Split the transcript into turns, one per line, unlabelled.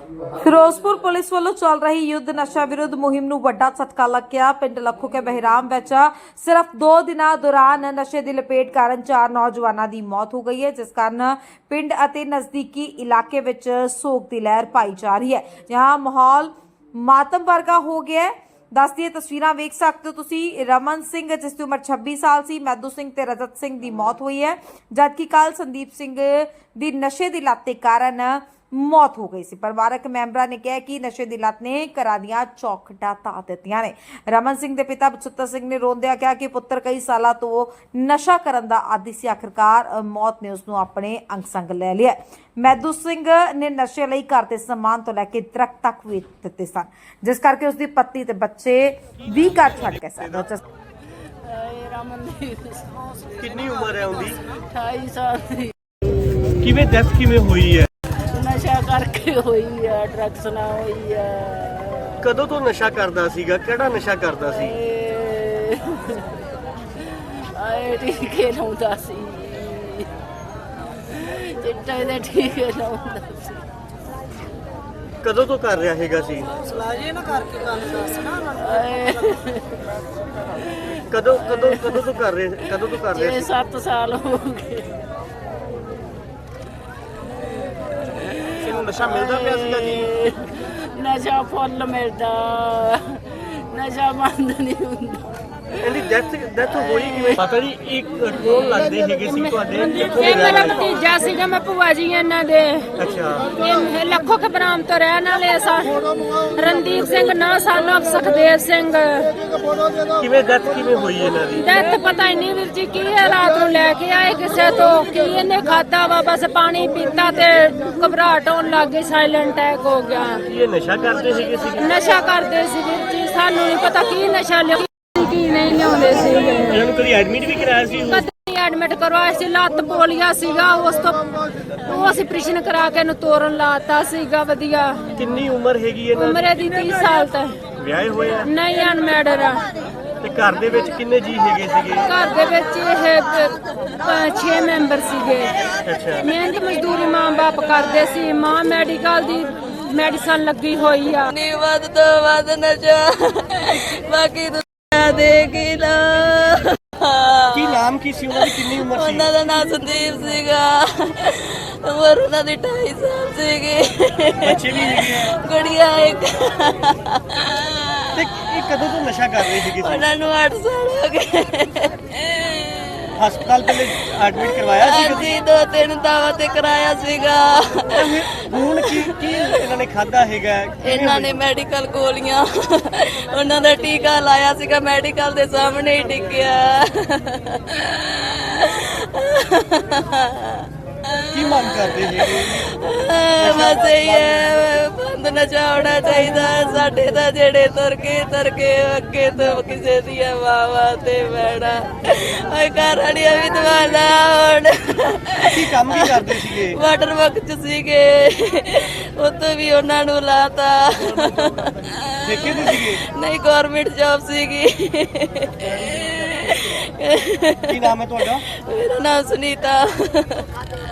Firozpur police ਵੱਲੋਂ ਚੱਲ ਰਹੀ ਯੁੱਧ ਨਸ਼ਾ ਵਿਰੁੱਧ ਮੁਹਿੰਮ ਨੂੰ ਵੱਡਾ ਝਟਕਾ ਲੱਗਿਆ। ਪਿੰਡ ਲੱਖੋ ਕੇ ਬਹਿਰਾਮ ਵਿੱਚ ਸਿਰਫ 2 ਦਿਨਾਂ ਦੌਰਾਨ ਨਸ਼ੇ ਦੀ ਲਪੇਟ ਕਾਰਨ 4 ਨੌਜਵਾਨਾਂ ਦੀ ਮੌਤ ਹੋ ਗਈ ਹੈ, ਜਿਸ ਕਾਰਨ ਪਿੰਡ ਅਤੇ ਨਜ਼ਦੀਕੀ ਇਲਾਕੇ ਵਿੱਚ ਸੋਗ ਦੀ ਲਹਿਰ ਪਾਈ ਜਾ ਰਹੀ ਹੈ। ਜहां ਮਾਹੌਲ ਮਾਤਮ ਵਰਗਾ ਹੋ ਗਿਆ ਹੈ। दस दी तस्वीरां वेख सकते हो तुसी। रमन सिंह जिसकी उम्र 26 साल सी, मैदू सिंह ते रजत सिंह की मौत हुई है, जबकि कल संदीप सिंह की नशे की लत के कारण मौत हो गई सी। परिवारक मैंबरां ने कहा कि नशे की लत ने घरां दीआं चौखटां ढा दित्तियां ने। रमन सिंह के पिता बचुत्तर सिंह ने रोंदिया कहा कि पुत्र कई सालों तो नशा करन दा आदी सी, आखिरकार मौत ने उसनूं अपने अंग संग लै लिया। मैदू सिंह ने नशे लई घर दे समान तो लैके दरख्त तक वेच दित्ते सन, जिस करके उसकी पत्नी ते बच्चे भी घर छड्ड गए सन।
कितनी उम्र है उनकी?
28 साल ਦੀ।
किवें डेथ किवें हुई है?
ਨਸ਼ਾ ਕਰਕੇ ਹੋਈ ਆ, ਡਰੱਗਸ ਨਾਲ ਹੋਈ ਆ।
कदों तो नशा करदा सीगा? किहड़ा नशा करदा सी?
ਆਏ ਟੀਕੇ ਲਾਉਂਦਾ ਸੀ, ਚਿੱਟੇ ਦੇ ਟੀਕੇ ਲਾਉਂਦਾ ਸੀ।
कदों तो कर रहा हैगा सी?
ਆਏ
कदों कदों कदों तो कर रहे? कदों तो कर रहे?
7 ਸਾਲ ਹੋ ਗਏ।
किन्नू नशा मिलदा पिया सीगा जी?
ਨਸ਼ਾ ਫੁੱਲ ਮਿਲਦਾ, ਨਸ਼ਾ ਬੰਦ ਨਹੀਂ ਹੁੰਦਾ।
ਇਹਦੀ ਡੈਥ ਹੋਈ ਕਿਵੇਂ? ਪਤਾ ਨਹੀਂ ਇੱਕ ਕੌਣ ਲੱਗਦੇ ਹੈਗੇ ਸੀ ਤੁਹਾਡੇ?
ਇਹ ਮੇਰਾ ਭਤੀਜਾ ਸੀਗਾ, ਮੈਂ ਭੂਆ ਜੀ ਇਹਨਾਂ ਦੇ।
ਅੱਛਾ।
ਇਹ ਲੱਖੋ ਕੇ ਬਰਾਮ ਤੋਂ ਰਹਿਣ ਵਾਲੇ ਸਾ। ਰਣਦੀਪ ਸਿੰਘ ਨਾ ਸਾਨੂੰ ਸੁਖਦੇਵ ਸਿੰਘ।
ਕਿਵੇਂ ਡੈਥ ਕਿਵੇਂ ਹੋਈ ਇਹਨਾਂ ਦੀ?
ਡੈਥ ਪਤਾ ਹੀ ਨਹੀਂ ਵੀਰ ਜੀ ਕੀ ਹੈ। ਰਾਤ ਨੂੰ ਲੈ ਕੇ ਆਏ ਕਿਸੇ ਤੋਂ, ਕੀ ਇਹਨੇ ਖਾਦਾ ਵਾ, ਬਸ ਪਾਣੀ ਪੀਤਾ ਤੇ ਘਬਰਾਹਟ ਹੋਣ ਲੱਗ ਗਈ, ਸਾਇਲੈਂਟ ਅਟੈਕ ਹੋ ਗਿਆ।
ਇਹ ਨਸ਼ਾ ਕਰਦੇ ਸੀਗੇ?
ਨਸ਼ਾ ਕਰਦੇ ਸੀ ਵੀਰ ਜੀ, ਸਾਨੂੰ ਨਹੀਂ ਪਤਾ ਕੀ ਨਸ਼ਾ ਲਿਆ ਕੀ ਨਹੀਂ ਲਿਆਉਂਦੇ ਸੀ।
ਇਹਨਾਂ ਨੂੰ ਕਦੀ ਐਡਮਿਟ ਵੀ ਕਰਾਇਆ ਸੀ?
ਕਦੇ ਐਡਮਿਟ ਕਰਵਾਇਆ ਸੀ, ਲੱਤ ਪੋਲੀਆ ਸੀਗਾ, ਉਸ ਤੋਂ ਉਹ ਅਸੀਂ ਆਪਰੇਸ਼ਨ ਕਰਾ ਕੇ ਇਹਨੂੰ ਤੋਰਨ ਲਾਤਾ ਸੀਗਾ ਵਧੀਆ।
ਕਿੰਨੀ ਉਮਰ ਹੈਗੀ ਇਹਨਾਂ ਦੀ?
ਉਮਰ ਇਹਦੀ 30 ਸਾਲ ਤੱਕ।
ਵਿਆਹੇ ਹੋਏ ਆ?
ਨਹੀਂ, ਅਨਮੈਰਿਡ ਆ।
ਤੇ ਘਰ ਦੇ ਵਿੱਚ ਕਿੰਨੇ ਜੀ ਹੈਗੇ ਸੀਗੇ?
ਘਰ ਦੇ ਵਿੱਚ ਇਹ 6 ਮੈਂਬਰ ਸੀਗੇ।
ਅੱਛਾ।
ਮਿਹਨਤ ਮਜ਼ਦੂਰੀ ਮਾਂ ਬਾਪ ਕਰਦੇ ਸੀ। ਮਾਂ ਮੈਡੀਕਲ ਦੀ ਮੈਡੀਸਨ ਲੱਗੀ ਹੋਈ ਆ।
ਨੀ ਵੱਧ ਤੋਂ ਵੱਧ ਨਸ਼ਾ, ਬਾਕੀ ਦੁਨੀਆ ਦੇਗੀ ਨਾ।
ਕੀ ਨਾਮ ਕੀ ਸੀ ਉਹਨਾਂ ਦੀ? ਕਿੰਨੀ ਉਮਰ ਸੀ?
ਉਹਨਾਂ ਦਾ ਨਾਮ ਸੰਦੀਪ ਸੀਗਾ, ਉਮਰ ਉਹਨਾਂ ਦੀ 28 ਸਾਲ ਸੀਗੀ।
ਬੱਚੇ ਵੀ ਹੈਗੇ ਆ?
ਗੁੜੀਆ ਇੱਕ।
ਤੇ ਇਹ ਕਦੋਂ ਤੋਂ ਨਸ਼ਾ ਕਰ ਰਹੇ ਸੀਗੇ?
ਉਹਨਾਂ ਨੂੰ 8 ਸਾਲ ਹੋ ਗਏ।
ਹਸਪਤਾਲ ਪਹਿਲੇ ਐਡਮਿਟ ਕਰਵਾਇਆ ਸੀ ਕਦੀ?
ਅਸੀਂ 2-3 ਦਾਵਾ ਤੇ ਕਰਾਇਆ ਸੀਗਾ।
ਹੁਣ ਕੀ ਇਹਨਾਂ ਨੇ ਖਾਦਾ ਹੈਗਾ?
ਇਹਨਾਂ ਨੇ ਮੈਡੀਕਲ ਗੋਲੀਆਂ, ਉਹਨਾਂ ਦਾ ਟੀਕਾ ਲਾਇਆ ਸੀਗਾ, ਮੈਡੀਕਲ ਦੇ ਸਾਹਮਣੇ ਹੀ ਟਿਕਿਆ।
ਕੀ ਮੰਗ ਕਰਦੇ ਹੈਗੇ?
ਬਸ ਇਹ ਹੈ, ਬੰਦ ਨਸ਼ਾ ਹੋਣਾ ਚਾਹੀਦਾ। ਸਾਡੇ ਤਾਂ ਜਿਹੜੇ ਤੁਰ ਕੇ ਅੱਗੇ ਤੋਂ ਕਿਸੇ ਦੀਆਂ ਵਾਵਾ ਤੇ ਬੈਣਾ। ਓਏ ਘਰ ਵਾਲੀਆਂ ਵੀ ਦਵਾਲਾ ਹੁਣ।
ਕੀ ਕੰਮ ਕੀ ਕਰਦੇ ਸੀਗੇ?
ਵਾਟਰ ਵਰਕ ਚ ਸੀਗੇ, ਉੱਥੇ ਵੀ ਉਹਨਾਂ ਨੂੰ ਲਾਤਾ।
ਠੇਕੇ ਤੇ ਸੀਗੇ?
ਨਹੀਂ, ਗਵਰਨਮੈਂਟ ਜੌਬ ਸੀਗੀ।
ਕੀ ਨਾਮ ਹੈ ਤੁਹਾਡਾ?
ਮੇਰਾ ਨਾਮ ਸੁਨੀਤਾ।